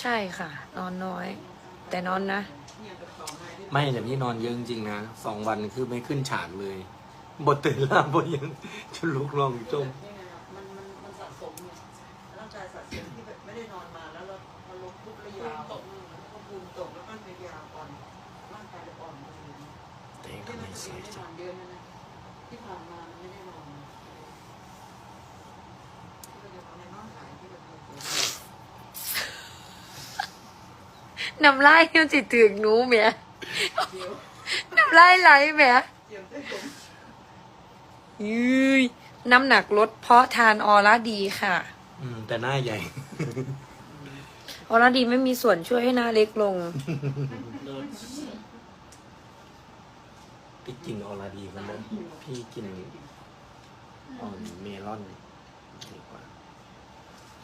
ช่ค่ะ นอนน้อย แต่นอนนะไม่แต่พี่นอนเยอะจริงๆนะ2 วันคือไม่ขึ้นฉากเลยบทตื่นล่าบทยังจะลุกลองจมมันสะสมไงร่างกายสะสมที่แบบไม่ได้นอนมาแล้วเราพอลงปุ๊บระยาวตกแล้วก็ภูมิตกแล้วก็ระยาวอ่อนร่างกายเราอ่อนลงที่มันจะไม่ได้นอนเยอะนะที่ผ่านมามันไม่ได้นอนที่เราจะนอนในน้องหายที่เราเคยน้ำลายยังจิถึงหนูแหม่เดี๋ยวน้ำลายไหลแหม่เจียมได้ผมยืยน้ำหนักลดเพราะทานออร่าดีค่ะแต่หน้าใหญ่ออร่าดีไม่มีส่วนช่วยให้หน้าเล็กลงพี่กินออราดีกันเลยพี่กินเมลอน